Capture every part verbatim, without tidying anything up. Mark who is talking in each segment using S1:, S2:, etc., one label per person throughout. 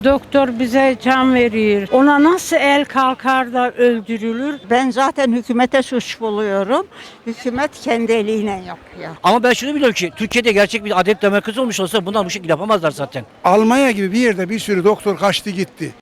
S1: Doktor bize can verir. Ona nasıl el kalkar da öldürülür?
S2: Ben zaten hükümete suç buluyorum. Hükümet kendi eliyle yapıyor.
S3: Ama ben şunu biliyorum ki Türkiye'de gerçek bir adalet demokrasi olmuş olsa bunlar bu şekilde yapamazlar zaten.
S4: Almanya gibi bir yerde bir sürü doktor kaçtı gitti.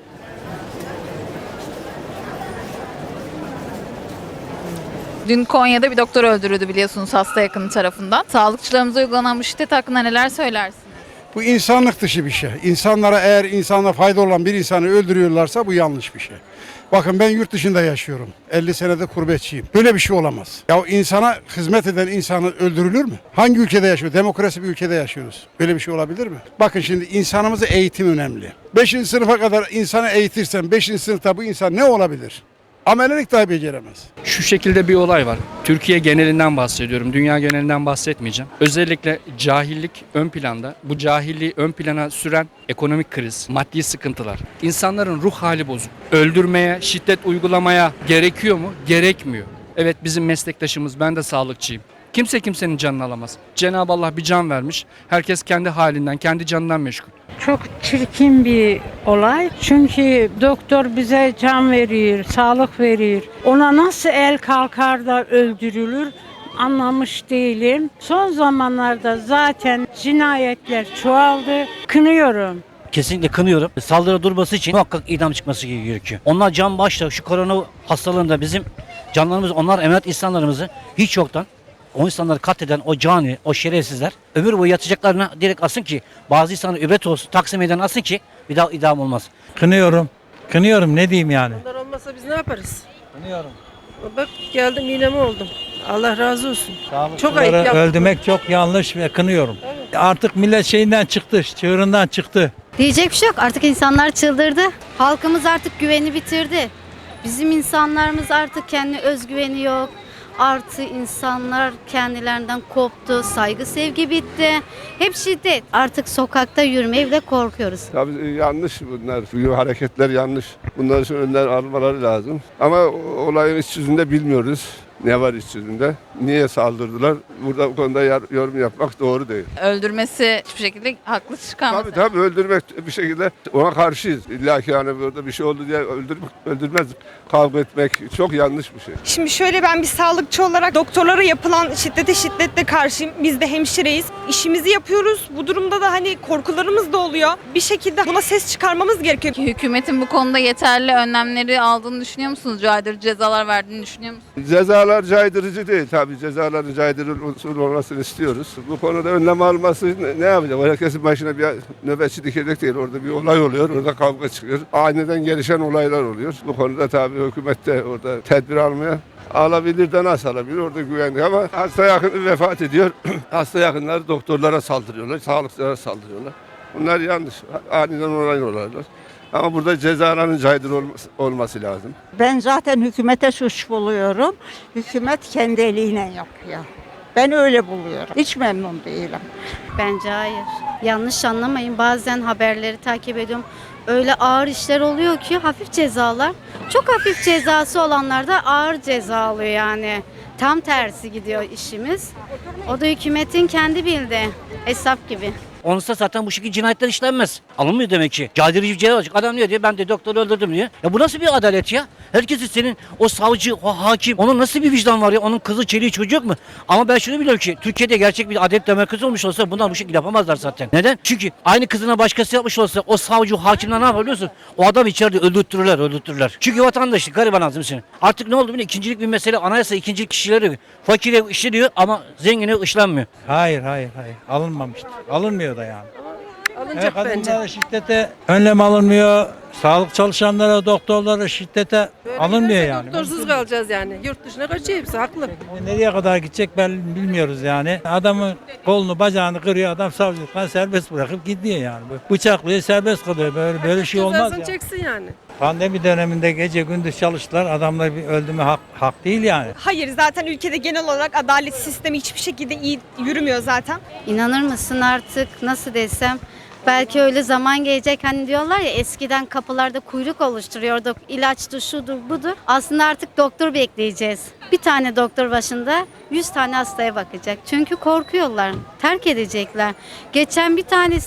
S5: Dün Konya'da bir doktor öldürüldü biliyorsunuz hasta yakını tarafından. Sağlıkçılarımıza uygulanan bu şiddet hakkında neler söylersiniz?
S4: Bu insanlık dışı bir şey. İnsanlara eğer insana fayda olan bir insanı öldürüyorlarsa bu yanlış bir şey. Bakın ben yurt dışında yaşıyorum. elli senede gurbetçiyim. Böyle bir şey olamaz. Ya insana hizmet eden insanı öldürülür mü? Hangi ülkede yaşıyor? Demokrasi bir ülkede yaşıyoruz. Böyle bir şey olabilir mi? Bakın şimdi insanımızı eğitim önemli. beşinci sınıfa kadar insanı eğitirsen beşinci sınıfta bu insan ne olabilir? Amelelik dahi beceremez.
S6: Şu şekilde bir olay var. Türkiye genelinden bahsediyorum. Dünya genelinden bahsetmeyeceğim. Özellikle cahillik ön planda. Bu cahilliği ön plana süren ekonomik kriz, maddi sıkıntılar. İnsanların ruh hali bozuk. Öldürmeye, şiddet uygulamaya gerekiyor mu? Gerekmiyor. Evet bizim meslektaşımız, ben de sağlıkçıyım. Kimse kimsenin canını alamaz. Cenab-ı Allah bir can vermiş. Herkes kendi halinden, kendi canından meşgul.
S1: Çok çirkin bir olay. Çünkü doktor bize can verir, sağlık verir. Ona nasıl el kalkar da öldürülür anlamış değilim. Son zamanlarda zaten cinayetler çoğaldı. Kınıyorum.
S3: Kesinlikle kınıyorum. Saldırı durması için muhakkak idam çıkması gerekiyor. Onlar can başla şu korona hastalığında bizim canlarımız, onlar emanet insanlarımızı hiç yoktan o insanları katleden o cani, o şerefsizler ömür boyu yatacaklarına direkt asın ki bazı insanlar übret olsun, Taksim Meydanı'na asın ki bir daha idam olmaz.
S7: Kınıyorum. Kınıyorum ne diyeyim yani.
S8: Onlar olmasa biz ne yaparız?
S7: Kınıyorum.
S8: Bak geldim iğnemi oldum. Allah razı olsun. Çok ayıp
S7: Sağlıkçıları
S8: yaptı.
S7: öldürmek çok yanlış ve kınıyorum. Artık millet şeyinden çıktı, çığırından çıktı.
S9: Diyecek bir şey yok. Artık insanlar çıldırdı. Halkımız artık güveni bitirdi. Bizim insanlarımız artık kendi özgüveni yok. Artı insanlar kendilerinden koptu. Saygı sevgi bitti. Hep şiddet. Artık sokakta yürümeye bile korkuyoruz.
S10: Tabii yanlış bunlar. Bu hareketler yanlış. Bunlar için önler almaları lazım. Ama olayın iç yüzünde bilmiyoruz. Ne var iç yüzünde? Niye saldırdılar? Burada bu konuda yorum yapmak doğru değil.
S5: Öldürmesi hiçbir şekilde haklı çıkamaz.
S10: Tabii tabii öldürmek bir şekilde ona karşıyız. İlla ki yani burada bir şey oldu diye öldürmek, öldürmez. Kavga etmek çok yanlış bir şey.
S11: Şimdi şöyle, ben bir sağlıkçı olarak doktorlara yapılan şiddete şiddetle karşıyım. Biz de hemşireyiz. İşimizi yapıyoruz. Bu durumda da hani korkularımız da oluyor. Bir şekilde buna ses çıkarmamız gerekiyor.
S5: Hükümetin bu konuda yeterli önlemleri aldığını düşünüyor musunuz? Caydırıcı cezalar verdiğini düşünüyor musunuz?
S10: Cezalar caydırıcı değil. Tabii cezaların caydırıcı olmasını istiyoruz. Bu konuda önlem alması ne, ne yapacak? Herkesin başına bir nöbetçi dikecek değil. Orada bir olay oluyor. Orada kavga çıkıyor. Aniden gelişen olaylar oluyor. Bu konuda tabii hükümet de orada tedbir almaya alabilir de nasıl alabilir? Orada güvenlik ama hasta yakını vefat ediyor. Hasta yakınları doktorlara saldırıyorlar. Sağlıkçılara saldırıyorlar. Bunlar yanlış. Aniden olay olaylar. Ama burada cezaların caydırıcı olması, olması lazım.
S2: Ben zaten hükümete suç buluyorum. Hükümet kendi eliyle yapıyor. Ben öyle buluyorum. Hiç memnun değilim.
S9: Bence hayır. Yanlış anlamayın. Bazen haberleri takip ediyorum. Öyle ağır işler oluyor ki hafif cezalar. Çok hafif cezası olanlar da ağır ceza alıyor yani. Tam tersi gidiyor işimiz. O da hükümetin kendi bildiği hesap gibi.
S3: Onsa zaten bu şekilde cinayetler işlenmez. Alınmıyor demek ki. Caydırıcı bir ceza olacak. Adam diyor diyor ben de doktoru öldürdüm diyor. Ya bu nasıl bir adalet ya? Herkesin senin o savcı, o hakim, onun nasıl bir vicdan var ya? Onun kızı, çeliği, çocuğu yok mu? Ama ben şunu biliyorum ki Türkiye'de gerçek bir adalet demokrasi olmuş olsa bunlar bu şekilde yapamazlar zaten. Neden? Çünkü aynı kızına başkası yapmış olsa o savcı, o hakimler ne yapar biliyorsun? O adam içeride öldürtürürler, öldürtürürler. Çünkü vatandaşlık, gariban azim senin. Artık ne oldu biliyor musun? İkincilik bir mesele, anayasa ikincilik kişileri fakire işleniyor ama zengine işlenmiyor.
S7: Hayır, hayır, hayır. Alınmamıştır. Alınmıyor da yani.
S8: Alınacak
S7: Evet,
S8: bence.
S7: kadınlara şiddete önlem alınmıyor. Sağlık çalışanlara, doktorlara şiddete
S8: Böyle
S7: alınmıyor
S8: giderse
S7: yani.
S8: Doktorsuz kalacağız yani. Yurt dışına kaçıyor hepsi haklı.
S7: Nereye kadar gidecek ben bilmiyoruz yani. Adamın kolunu bacağını kırıyor, adam savcılıktan serbest bırakıp gidiyor yani. Bıçaklıyor, serbest kalıyor. Böyle böyle şey olmaz
S8: Cezasını
S7: ya.
S8: çeksin yani.
S7: Pandemi döneminde gece gündüz çalıştılar. Adamlar bir öldü mü hak, hak değil yani.
S11: Hayır, zaten ülkede genel olarak adalet sistemi hiçbir şekilde iyi yürümüyor zaten.
S9: İnanır mısın artık nasıl desem, belki öyle zaman gelecek hani diyorlar ya, eskiden kapılarda kuyruk oluşturuyorduk, ilaçtı şudur budur. Aslında artık doktor bekleyeceğiz. Bir tane doktor başında yüz tane hastaya bakacak. Çünkü korkuyorlar, terk edecekler. Geçen bir tanesi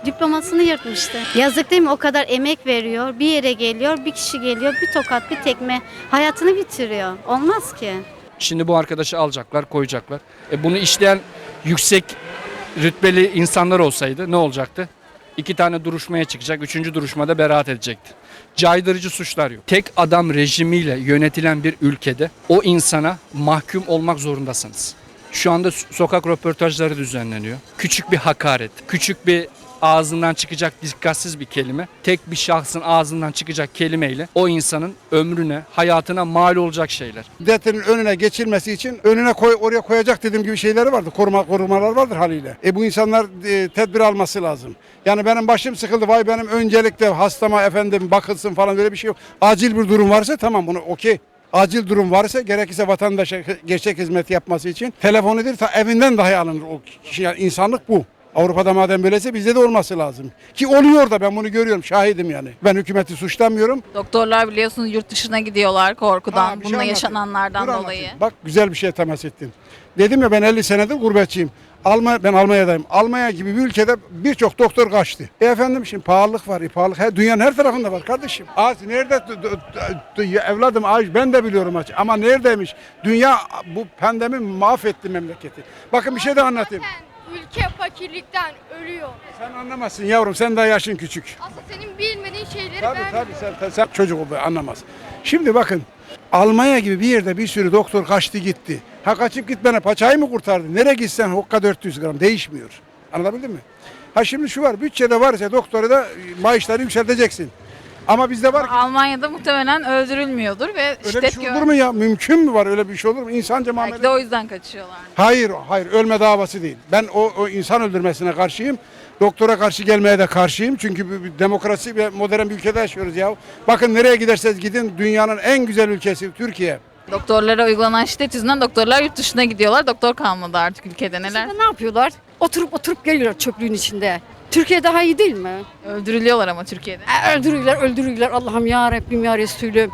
S9: Diplomasını yırtmıştı. Yazık değil mi? O kadar emek veriyor. Bir yere geliyor, bir kişi geliyor, bir tokat, bir tekme hayatını bitiriyor. Olmaz ki.
S6: Şimdi bu arkadaşı alacaklar, koyacaklar. E bunu işleyen yüksek rütbeli insanlar olsaydı ne olacaktı? İki tane duruşmaya çıkacak, üçüncü duruşmada beraat edecekti. Caydırıcı suçlar yok. Tek adam rejimiyle yönetilen bir ülkede o insana mahkum olmak zorundasınız. Şu anda sokak röportajları düzenleniyor. Küçük bir hakaret, küçük bir ağzından çıkacak dikkatsiz bir kelime, tek bir şahsın ağzından çıkacak kelimeyle o insanın ömrüne, hayatına mal olacak şeyler.
S4: Şiddetin önüne geçilmesi için önüne koy, oraya koyacak dediğim gibi şeyleri vardır. Koruma, korumalar vardır haliyle. E bu insanlar e, tedbir alması lazım. Yani benim başım sıkıldı. Vay benim öncelikle hastama efendim bakılsın falan böyle bir şey yok. Acil bir durum varsa tamam bunu okey. Acil durum varsa gerekirse vatandaşa gerçek hizmet yapması için telefon edilir ta evinden dahi alınır o kişi. Yani insanlık bu. Avrupa'da madem böyleyse bizde de olması lazım. Ki oluyor da ben bunu görüyorum, şahidim yani. Ben hükümeti suçlamıyorum.
S5: Doktorlar biliyorsunuz yurt dışına gidiyorlar korkudan,
S4: Ha, bir şey
S5: bununla
S4: anlatayım.
S5: yaşananlardan
S4: Dur
S5: dolayı.
S4: anlatayım. Bak güzel bir şey temas ettin. Dedim ya ben elli senedir gurbetçiyim. Almanya, ben Almanya'dayım. Almanya gibi bir ülkede birçok doktor kaçtı. E efendim şimdi pahalılık var. E pahalılık her, dünyanın her tarafında var kardeşim. Az nerede d- d- d- evladım az ben de biliyorum aç. Ama neredeymiş? Dünya bu pandemi mahvetti memleketi. Bakın bir şey de anlatayım.
S12: Ülke fakirlikten ölüyor.
S4: Sen anlamazsın yavrum, sen daha yaşın küçük.
S12: Aslında senin bilmediğin şeyleri
S4: Tabii
S12: ben
S4: tabii sen, sen, sen çocuk ol, anlamaz. Şimdi bakın Almanya gibi bir yerde bir sürü doktor kaçtı gitti. Ha kaçıp gitmene paçayı mı kurtardı? Nereye gitsen hokka dört yüz gram değişmiyor. Anlatabildim mi? Ha şimdi şu var, bütçede varsa doktora da maaşları yükselteceksin. Ama bizde var ki
S5: Almanya'da muhtemelen öldürülmüyordur ve
S4: öyle bir
S5: şiddet
S4: şey
S5: gör.
S4: olur mu ya? Mümkün mü var öyle bir şey olur mu? İnsanca
S5: Belki de
S4: muamele.
S5: o yüzden kaçıyorlar.
S4: Hayır, hayır ölme davası değil. Ben o, o insan öldürmesine karşıyım. Doktora karşı gelmeye de karşıyım. Çünkü bir, bir demokrasi ve modern bir ülkede yaşıyoruz ya. Bakın nereye giderseniz gidin dünyanın en güzel ülkesi Türkiye.
S5: Doktorlara uygulanan şiddet yüzünden doktorlar yurt dışına gidiyorlar. Doktor kalmadı artık ülkede, neler?
S12: ne yapıyorlar? Oturup oturup geliyorlar çöplüğün içinde. Türkiye daha iyi değil mi?
S5: Öldürülüyorlar ama Türkiye'de.
S12: E, öldürüyorlar, öldürüyorlar. Allah'ım ya Rabbim ya Resulüm.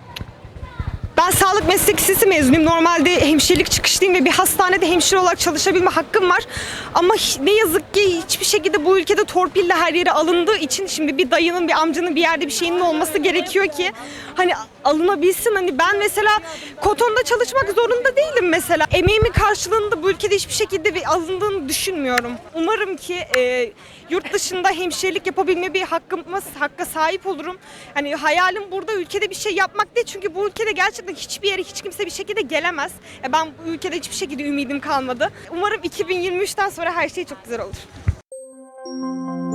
S11: Ben sağlık meslek lisesi mezunuyum. Normalde hemşirelik çıkışlıyım ve bir hastanede hemşire olarak çalışabilme hakkım var. Ama hi- ne yazık ki hiçbir şekilde bu ülkede torpille her yere alındığı için şimdi bir dayının, bir amcanın bir yerde bir şeyinin olması gerekiyor ki hani alınabilsin. Hani ben mesela kotonda çalışmak zorunda değilim mesela. Emeğimin karşılığında bu ülkede hiçbir şekilde bir alındığını düşünmüyorum. Umarım ki e, yurt dışında hemşirelik yapabilme bir hakkıma, hakka sahip olurum. Hani hayalim burada ülkede bir şey yapmak değil. Çünkü bu ülkede gerçekten hiçbir yere hiç kimse bir şekilde gelemez. E ben bu ülkede hiçbir şekilde ümidim kalmadı. Umarım iki bin yirmi üçten sonra her şey çok güzel olur.